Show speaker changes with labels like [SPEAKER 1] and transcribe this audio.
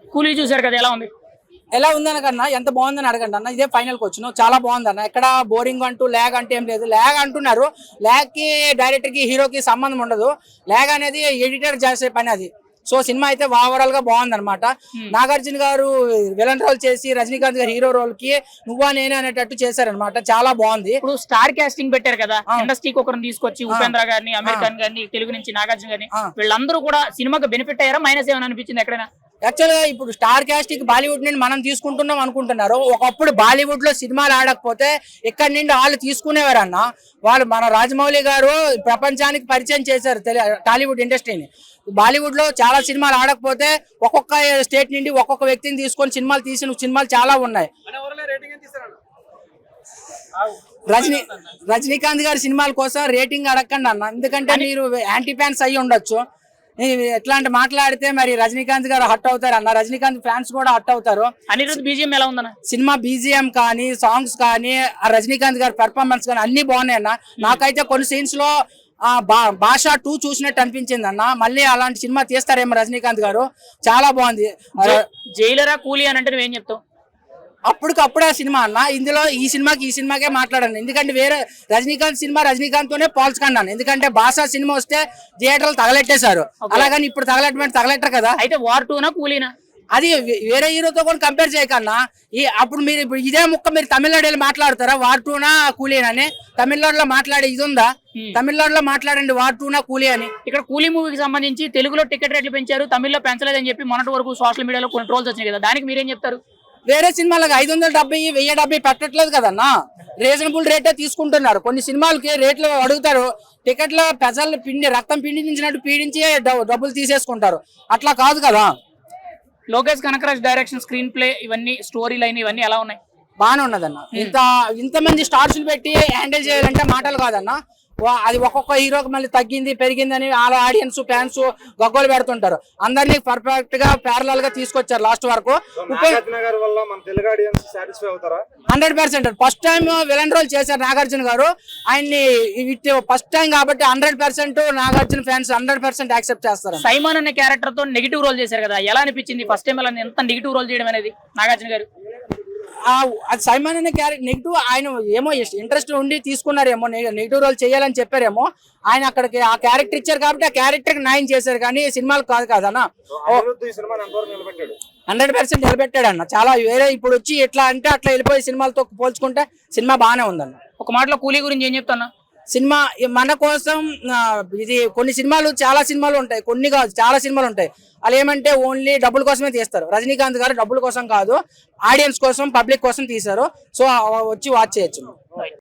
[SPEAKER 1] కూలీ చూసారు కదా, ఎలా ఉంది?
[SPEAKER 2] ఎలా ఉందనకన్నా ఎంత బాగుందని అడగండి అన్న. ఇదే ఫైనల్కి వచ్చినావు, చాలా బాగుంది అన్న. ఎక్కడ బోరింగ్ అంటూ ల్యాగ్ అంటే ఏం లేదు. ల్యాగ్ అంటున్నారు, ల్యాగ్ కి డైరెక్టర్ కి హీరోకి సంబంధం ఉండదు. ల్యాగ్ అనేది ఎడిటర్ చేసే పని అది. సో సినిమా అయితే ఓవరాల్ గా బాగుంది అనమాట. నాగార్జున గారు విలన్ రోల్ చేసి రజనీకాంత్ గారు హీరో రోల్ కి నువ్వా నేనే అనేటట్టు చేశారనమాట. చాలా బాగుంది.
[SPEAKER 1] ఇప్పుడు స్టార్ కాస్టింగ్ పెట్టారు కదా, ఇండస్ట్రీకి ఒకరిని తీసుకొచ్చి ఉపేంద్ర గారిని, అమీర్ ఖాన్ గారిని, తెలుగు నుంచి నాగార్జున గారిని, వీళ్ళందరూ కూడా సినిమాకి బెనిఫిట్ అయ్యారా, మైనస్ ఏమైనా అనిపించింది ఎక్కడైనా?
[SPEAKER 2] యాక్చువల్ గా ఇప్పుడు స్టార్ కాస్టింగ్ బాలీవుడ్ నుండి మనం తీసుకుంటున్నాం అనుకుంటున్నారు. ఒకప్పుడు బాలీవుడ్ లో సినిమాలు ఆడకపోతే ఇక్కడ నుండి వాళ్ళు తీసుకునేవారు అన్న. వాళ్ళు మన రాజమౌళి గారు ప్రపంచానికి పరిచయం చేశారు టాలీవుడ్ ఇండస్ట్రీని. బాలీవుడ్ లో చాలా సినిమాలు ఆడకపోతే ఒక్కొక్క స్టేట్ నుండి ఒక్కొక్క వ్యక్తిని తీసుకొని సినిమాలు తీసిన సినిమాలు చాలా ఉన్నాయి. రజనీకాంత్ గారి సినిమాల కోసం రేటింగ్ అడగండి అన్న, ఎందుకంటే మీరు యాంటీ ఫ్యాన్స్ అయ్యి ఉండొచ్చు. ఎట్లాంటి మాట్లాడితే మరి రజనీకాంత్ గారు హట్ అవుతారు అన్న, రజనీకాంత్ ఫ్యాన్స్ కూడా హట్ అవుతారు.
[SPEAKER 1] అనిరుద్ధ్ బీజిఎం ఎలా ఉందన్న?
[SPEAKER 2] సినిమా బీజిఎం కానీ, సాంగ్స్ కానీ, రజనీకాంత్ గారి పెర్ఫార్మెన్స్ కానీ అన్ని బాగున్నాయి అన్న. నాకైతే కొన్ని సీన్స్ లో భాషా 2 చూసినట్టు అనిపించింది అన్న. మళ్ళీ అలాంటి సినిమా తీస్తారేమో రజనీకాంత్ గారు. చాలా బాగుంది.
[SPEAKER 1] జైలరా కూలీ అని అంటే నువ్వేం చెప్తావు?
[SPEAKER 2] అప్పటికప్పుడే సినిమా అన్న. ఇందులో ఈ సినిమాకే మాట్లాడాను, ఎందుకంటే వేరే రజనీకాంత్ సినిమా రజనీకాంత్ తోనే పోల్చుకున్నాను. ఎందుకంటే భాషా సినిమా వస్తే థియేటర్లు తగలెట్టేశారు, అలాగని ఇప్పుడు తగలెట్టరు కదా.
[SPEAKER 1] అయితే వార్ 2నా కూలీనా?
[SPEAKER 2] అది వేరే హీరోతో కూడా కంపేర్ చేయకన్నా. అప్పుడు మీరు ఇప్పుడు ఇదే ముక్క మీరు తమిళనాడు మాట్లాడతారా, వార్ 2నా కూలీనా అని? తమిళనాడులో మాట్లాడే ఇది ఉందా? తమిళనాడులో మాట్లాడండి వార్ 2నా కూలీ అని.
[SPEAKER 1] ఇక్కడ కూలీ మూవీకి సంబంధించి తెలుగులో టికెట్ రేట్లు పెంచారు, తమిళ్లో పెంచలేదని చెప్పి మొన్నటి వరకు సోషల్ మీడియాలో కొన్ని ట్రోల్స్ వచ్చినాయి కదా, దానికి మీరేం చెప్తారు?
[SPEAKER 2] వేరే సినిమాలకు 570, 1070 పెట్టట్లేదు కదన్నా, రీజనబుల్ రేటే తీసుకుంటున్నారు. కొన్ని సినిమాలకి రేట్లు అడుగుతారు, టికెట్ల పెసలు రక్తం పిండించినట్టు పీడించి డబ్బులు తీసేసుకుంటారు. అట్లా కాదు కదా.
[SPEAKER 1] Lokesh Kanagaraj direction, screenplay, ఇవన్నీ స్టోరీ లైన్ ఇవన్నీ ఎలా ఉన్నాయి?
[SPEAKER 2] బాగానే ఉన్నదన్న. ఇంతమంది స్టార్స్ పెట్టి హ్యాండిల్ చేయాలంటే మాటలు కాదన్న. అది ఒక్కొక్క హీరోకి మళ్ళీ తగ్గింది పెరిగింది అని వాళ్ళ ఆడియన్స్ ఫ్యాన్స్ గగ్గోలు పెడుతుంటారు. అందరినీ పర్ఫెక్ట్ గా ప్యారలల్ గా తీసుకొచ్చారు లాస్ట్ వరకు. 100% ఫస్ట్ టైం విలన్ రోల్ చేశారు నాగార్జున గారు. ఆయన్ని ఫస్ట్ టైం కాబట్టి 100% నాగార్జున ఫ్యాన్స్ 100% యాక్సెప్ట్ చేస్తారు.
[SPEAKER 1] సైమాన్ అనే క్యారెక్టర్ తో నెగిటివ్ రోల్ చేశారు కదా, ఎలా అనిపించింది ఫస్ట్ టైం ఎంత నెగిటివ్ రోల్ చేయడం అనేది నాగార్జున గారు?
[SPEAKER 2] అది సైమాన్ అనే క్యారెక్టర్ నెగిటివ్, ఆయన ఏమో ఇంట్రెస్ట్ ఉండి తీసుకున్నారేమో, నెగిటివ్ రోల్ చేయాలని చెప్పారేమో. ఆయన అక్కడికి ఆ క్యారెక్టర్ ఇచ్చారు కాబట్టి ఆ క్యారెక్టర్ న్యాయం చేశారు, కానీ సినిమాలు కాదు కదన్నా. 100% నిలబెట్టాడు అన్న. చాలా వేరే ఇప్పుడు వచ్చి ఎట్లా అంటే అట్లా వెళ్ళిపోయి సినిమాలతో పోల్చుకుంటే సినిమా బాగానే ఉందన్న.
[SPEAKER 1] ఒక మాటలో కూలీ గురించి ఏం చెప్తున్నా?
[SPEAKER 2] సినిమా మన కోసం ఇది కొన్ని సినిమాలు చాలా సినిమాలు ఉంటాయి, కొన్ని కాదు చాలా సినిమాలు ఉంటాయి. వాళ్ళు ఏమంటే ఓన్లీ డబ్బుల కోసమే తీస్తారు. రజనీకాంత్ గారు డబ్బుల కోసం కాదు, ఆడియన్స్ కోసం పబ్లిక్ కోసం తీశారు. సో వచ్చి వాచ్ చేయొచ్చు.